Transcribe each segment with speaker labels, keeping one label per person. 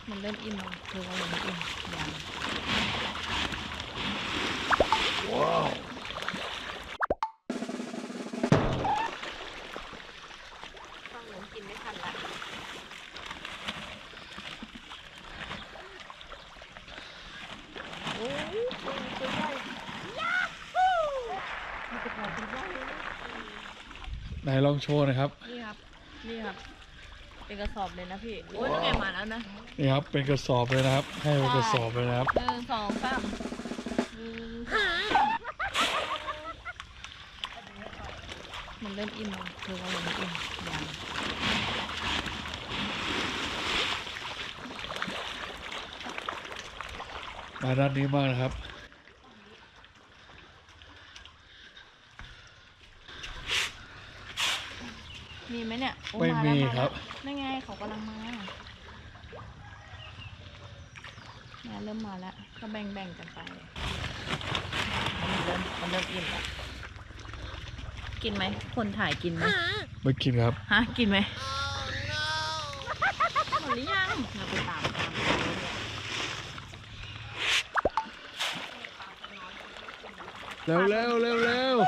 Speaker 1: มันเริ่มอิ่มแล้วเธอว่ายังไม่อิ่มยัง
Speaker 2: ว้าว
Speaker 1: ฟังหนูกินไม่ทันละโอ้ยตัวใหญ่ยาฮูมันจะพอตัวใหญ่
Speaker 2: ไหนลองโชว์หน่อยครับ
Speaker 1: นี่ครับนี่ครับเป็นกระสอบเลยนะพี่โอ้ยต้องแกมาแล้วนะ
Speaker 2: นี่ครับเป็นกระสอบเลยนะครับให้เป็นกระสอบเลยนะครับ
Speaker 1: 1 2 3มันเริ่มอิ่มแล้วเธอว่ายังไม่อิ่มยัง
Speaker 2: มาด้านนี้มากนะครับ
Speaker 1: มีไหมเนี่ย
Speaker 2: ไม่มีครับ
Speaker 1: ไม่ไงเขากำลังมาเริ่มมาแล้วก็แบ่งกันไปมันเริ่มอิ่มแล้วกินไหมคนถ่ายกินไหม
Speaker 2: ไม่กินครับ
Speaker 1: ฮะกินไหมหมดหรือยังเราไปตาม
Speaker 2: เร็วเร็วเร็วเร็ว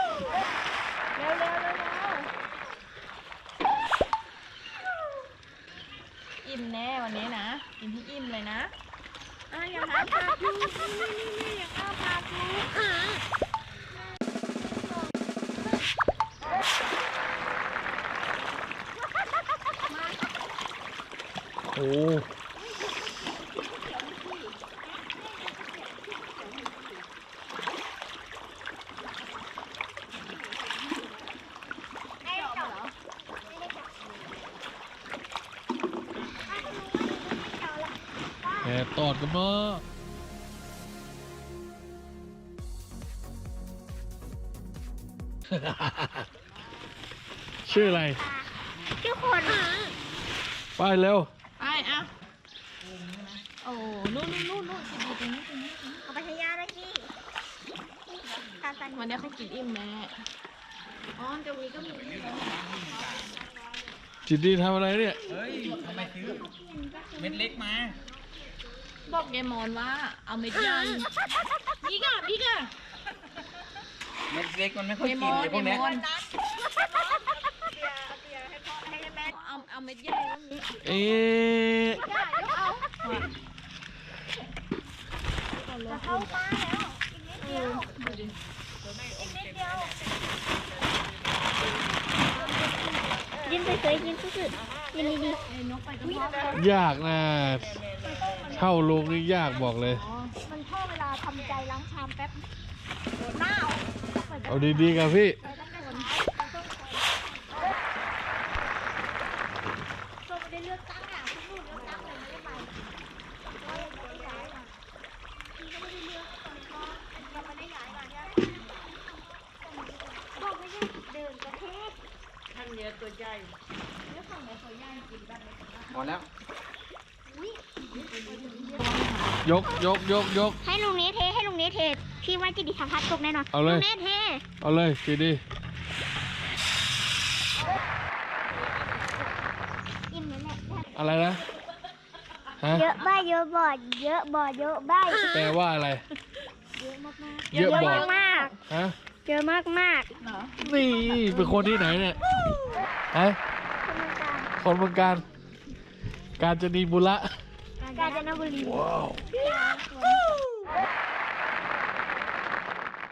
Speaker 1: อิ่มแน่วันนี้นะกินที่อิ่มเลยนะอย่าหาปากดูนี่อย่าหาปากดู
Speaker 2: โอ้แหมตอดกันเนาะชื่ออะไร
Speaker 3: ชื่อคน
Speaker 2: ไปเร็ว
Speaker 1: ไปอ่ะโอ้นู่นกินดีตรงนี้
Speaker 3: เอาไปทยาเลยพี่
Speaker 1: วันนี้เขากินอิ่มแม่อ๋อตรงนี้ก็มี
Speaker 2: จิตดีทำอะไรเนี่ย
Speaker 4: เฮ้ยทำไมซื้อเม็ดเล็กมา
Speaker 1: บอกยายมอนว่าเอาเม็ดใหญ่พี่กะ
Speaker 4: เม็ดเล็กมันไม่ค่อยกินเลยพวกนี้
Speaker 1: เอาเม็ดใหญ่
Speaker 2: เอ๊ะ
Speaker 3: จะเข้ามาแล้วอีกนิดเดียวยินไปเคยยินสุดๆยินดี
Speaker 2: ยากนะเท่าลงนี่ยากบอกเลย
Speaker 3: มันชอบเวลาทำใจล้างชามแป๊บหน้า
Speaker 2: เอาดีๆกับพี่
Speaker 3: ก็ไม่ได้เลือกตั้งอ่ะคุณนู่นเลือกตั้งเลยไม่ได้ไปก็ไม่ได้ย้ายมาพี่ก็ไม่ได้เลือกตอนนี้ก็ยังไม่ได้ย้ายมาเนี่ยบอกไม่ใช่เดินประเทศ
Speaker 1: ท่านเยอะตัวใหญ่
Speaker 3: เลือกฝั่งไหนตัวใหญ่กินแบบไหน
Speaker 4: พอแล้ว
Speaker 2: ยก
Speaker 3: ให้ลุงนี้เทพี่ว่าจะดีทำพัดตกแน่นอน
Speaker 2: เอาเลย
Speaker 3: เท
Speaker 2: เอาเลยจีดี
Speaker 3: อิ่มแน่
Speaker 2: อะไรนะฮะ
Speaker 3: เยอะบ้าเยอะบ่อเยอะบ่อเยอะบ้า
Speaker 2: แปลว่าอะไร
Speaker 3: เยอะมาก
Speaker 2: เยอะบ่อ
Speaker 3: มาก
Speaker 2: ฮะ
Speaker 3: เยอะมาก
Speaker 2: นี่เป็นคนที่ไหนเนี่ยฮะคนเมืองการกาญจนบุรี
Speaker 3: กาญจนบุรี
Speaker 2: ว้าว